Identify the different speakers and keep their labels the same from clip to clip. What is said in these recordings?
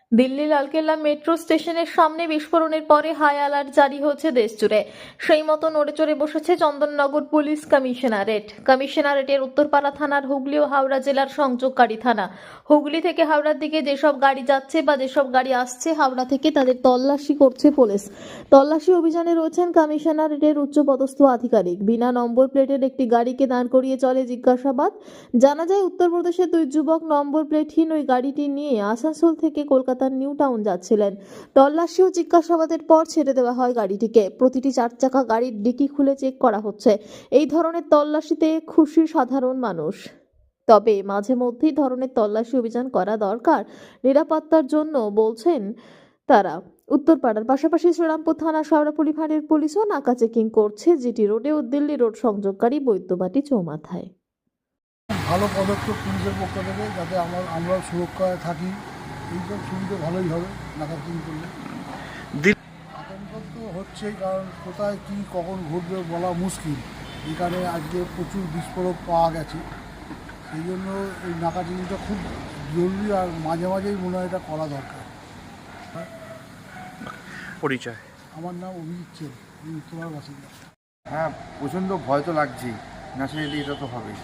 Speaker 1: Delhi Lal Qila metro স্টেশনের সামনে বিস্ফোরণের পরে হাই অ্যালার্ট জারি হয়েছে দেশজুড়ে। সেই মতো নড়ে চড়ে বসেছে চন্দননগর পুলিশ কমিশনারেটের উত্তরপাড়া থানার হুগলি ও হাওড়া জেলার সংযোগকারী থানা। হুগলি থেকে হাওড়ার দিকে যেসব গাড়ি যাচ্ছে বা যেসব গাড়ি আসছে হাওড়া থেকে, তাদের তল্লাশি করছে পুলিশ। তল্লাশি অভিযানে রয়েছেন কমিশনারেটের উচ্চপদস্থ আধিকারিক। বিনা নম্বর প্লেটের একটি গাড়িকে দাঁড় করিয়ে চলে জিজ্ঞাসাবাদ। জানা যায়, উত্তরপ্রদেশের দুই যুবক নম্বর প্লেটহীন ওই গাড়িটি নিয়ে আসানসোল থেকে কলকাতার নিউ টাউন যাচ্ছিলেন। তল্লাশি ও জিজ্ঞাসাবাদের পর ছেড়ে দেওয়া হয় গাড়িটিকে। প্রতিটি 4 চাকা গাড়ির ডিকি খুলে চেক করা হচ্ছে। এই ধরনের তল্লাশিতে খুশি সাধারণ মানুষ। তবে মাঝে মধ্যেই ধরনের তল্লাশি অভিযান করা দরকার নিরাপত্তার জন্য, বলছেন তারা। উত্তরপাড়ার পাশাপাশি শ্রীরামপুর থানা শেওড়াফুলি ফাঁড়ির পুলিশও নাকা চেকিং করছে জিটি রোডে ও দিল্লি রোড সংযোগকারী বৈদ্যবাটি চৌমাথায়।
Speaker 2: ভালো পদক্ষেপ পুলিশের পক্ষ থেকে, যাতে আমরাও সুরক্ষায় থাকি। এইসব সুবিধা ভালোই হবে নাকা চেকিং করলে। আতঙ্ক তো হচ্ছেই, কারণ কোথায় কী কখন ঘটবে বলা মুশকিল। এখানে আজকে প্রচুর বিস্ফোরক পাওয়া গেছে, সেই জন্য এই নাকা চেকিংটা খুব জরুরি, আর মাঝে মাঝেই মনে হয় এটা করা দরকার।
Speaker 3: পরিচয়?
Speaker 2: আমার নাম অভিজিৎ ছেলে, আমি উত্তরপাড়ার বাসিন্দা।
Speaker 4: হ্যাঁ, প্রচণ্ড ভয় তো লাগছেই, ন্যাচারালি এটা তো হবেই।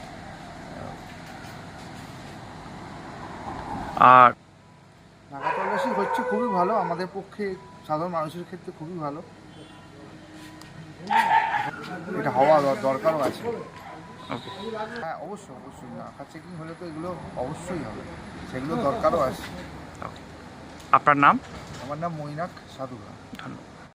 Speaker 3: আর
Speaker 4: নাকা তল্লাশি হচ্ছে খুবই ভালো, আমাদের পক্ষে সাধারণ মানুষের ক্ষেত্রে খুবই ভালো। এটা হওয়া দরকারও আছে। হ্যাঁ, অবশ্যই অবশ্যই নাকা চেকিং হলে তো এগুলো অবশ্যই হবে, সেগুলো দরকারও আছে।
Speaker 3: আপনার নাম?
Speaker 4: আমার নাম মৈনাক সাধুরা।
Speaker 3: ধন্যবাদ।